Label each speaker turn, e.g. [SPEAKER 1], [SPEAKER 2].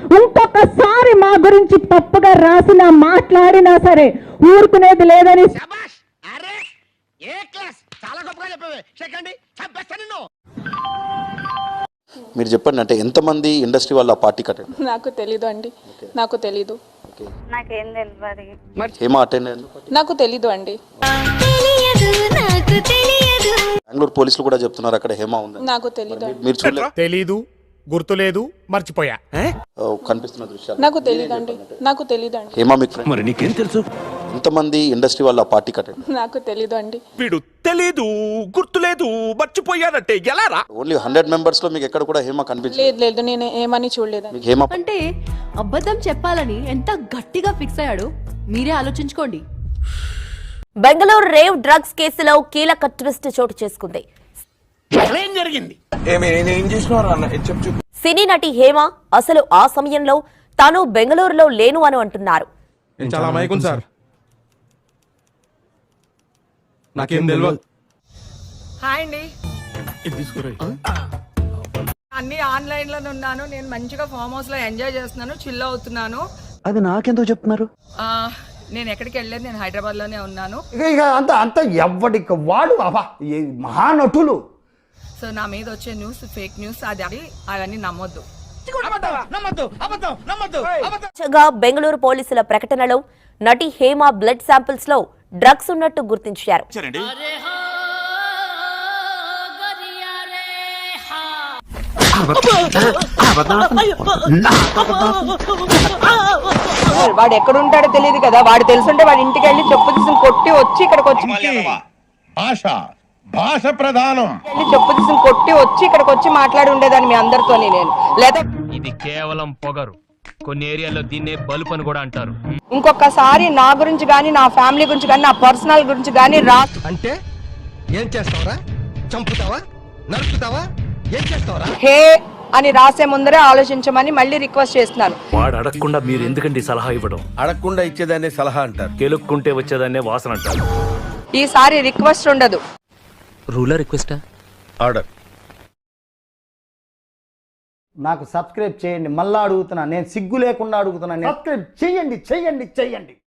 [SPEAKER 1] ఇంకొకసారి మా గురించి తప్పుగా రాసినా మాట్లాడినా సరే ఊరుకునేది లేదని.
[SPEAKER 2] మీరు చెప్పండి, అంటే ఎంతమంది ఇండస్ట్రీ వాళ్ళ పార్టీ కట్టండి?
[SPEAKER 3] నాకు తెలీదు అండి, నాకు తెలీదు.
[SPEAKER 4] నాకేం తెలియదు.
[SPEAKER 2] హేమ అటెండ్ అయ్యారు?
[SPEAKER 3] నాకు తెలీదు అండి.
[SPEAKER 2] బెంగళూరు పోలీసులు కూడా చెప్తున్నారు అక్కడ హేమ ఉంది.
[SPEAKER 3] నాకు తెలీదు.
[SPEAKER 2] మీరు చూడలేదు?
[SPEAKER 5] తెలీదు, గుర్తులేదు, మర్చిపోయా.
[SPEAKER 2] కనిపిస్తున్న దృశ్యాలు
[SPEAKER 3] నాకు తెలీదు అండి, నాకు తెలీదు అండి.
[SPEAKER 2] హేమ మీకు ఫ్రెండ్?
[SPEAKER 6] మరి నీకేం తెలుసు?
[SPEAKER 2] ఎంతమంది ఇండస్ట్రీ వాళ్ళ పార్టీ కట్టండి?
[SPEAKER 3] నాకు తెలీదు అండి.
[SPEAKER 6] వీడు తెలీదు, గుర్తులేదు, మర్చిపోయాడంటే ఎలా రా?
[SPEAKER 2] ఓన్లీ 100 మెంబర్స్ లో మీకు ఎక్కడ కూడా హేమ కనిపించలేదు?
[SPEAKER 3] లేదు లేదు, నేను ఏమని చూడలేదు.
[SPEAKER 2] మీకు హేమ
[SPEAKER 7] అంటే అబద్ధం చెప్పాలని ఎంత గట్టిగా ఫిక్స్ అయ్యాడో మీరే ఆలోచించుకోండి.
[SPEAKER 8] బెంగళూరు రేవ్ డ్రగ్స్ కేసులో కీలక ట్విస్ట్ చోటు చేసుకుంది.
[SPEAKER 6] ఏం జరిగింది?
[SPEAKER 8] సినీ నటి హేమ అసలు ఆ సమయంలో తాను బెంగళూరులో లేను అని అంటున్నారు.
[SPEAKER 5] చాలా మైకుం సార్, నాకేం తెలియదు.
[SPEAKER 9] హాయ్ అండి, అన్ని ఆన్లైన్ లోనే ఉన్నాను. నేను మంచిగా ఫామ్ హౌస్ లో ఎంజాయ్ చేస్తున్నాను, చిల్ అవుతున్నాను.
[SPEAKER 6] అది నాకెందుకు చెప్తున్నారు?
[SPEAKER 9] నేను ఎక్కడికి వెళ్ళలేదు, నేను హైదరాబాద్ లోనే ఉన్నాను.
[SPEAKER 10] ఇక అంత ఎవ్వడికి వాడు మహానటులు.
[SPEAKER 9] సో నా మీద వచ్చే న్యూస్ ఫేక్ న్యూస్, అవన్నీ నమ్మొద్దు.
[SPEAKER 8] బెంగళూరు పోలీసుల ప్రకటనలో నటి హేమ బ్లడ్ శాంపిల్స్ లో డ్రగ్స్ ఉన్నట్టు గుర్తించారు.
[SPEAKER 9] వాడు ఎక్కడ ఉంటాడో తెలియదు కదా, వాడు తెలుసుంటే వాడి ఇంటికి వెళ్ళి చెప్పు తీసుకుని కొట్టి వచ్చి ఇక్కడికి వచ్చి
[SPEAKER 6] భాష ప్రధానం
[SPEAKER 9] చెప్పు తీసుకుని కొట్టి వచ్చి ఇక్కడికి వచ్చి మాట్లాడి ఉండేదాన్ని మీ అందరితో. నేను లేదా
[SPEAKER 11] ఇది కేవలం పొగరు, కొన్ని ఏరియాలో దీన్నే బలుపు అని కూడా అంటారు.
[SPEAKER 9] ఇంకొకసారి నా గురించి గానీ, నా ఫ్యామిలీ గురించి గానీ, నా పర్సనల్ గురించి గానీ
[SPEAKER 6] అంటే ఏం చేస్తావరా? చంపుతావా? నరుకుతావా? ఏం చేస్తావరా?
[SPEAKER 9] హే అని రాసే ముందరే ఆలోచించమని మళ్ళీ రిక్వెస్ట్ చేస్తున్నాను.
[SPEAKER 11] వాడు అడగకుండా మీరు ఎందుకండి సలహా ఇవ్వడం?
[SPEAKER 6] అడగకుండా ఇచ్చేదాన్నే సలహా అంటారు,
[SPEAKER 11] కెలుక్కుంటే వచ్చేదాన్నే వాసన అంటారు.
[SPEAKER 9] ఈసారి రిక్వెస్ట్ ఉండదు,
[SPEAKER 11] రూలర్ రిక్వెస్టా?
[SPEAKER 6] ఆర్డర్.
[SPEAKER 10] నాకు సబ్స్క్రైబ్ చేయండి. మళ్ళా అడుగుతున్నా, నేను సిగ్గు లేకుండా అడుగుతున్నా. సబ్స్క్రైబ్ చేయండి.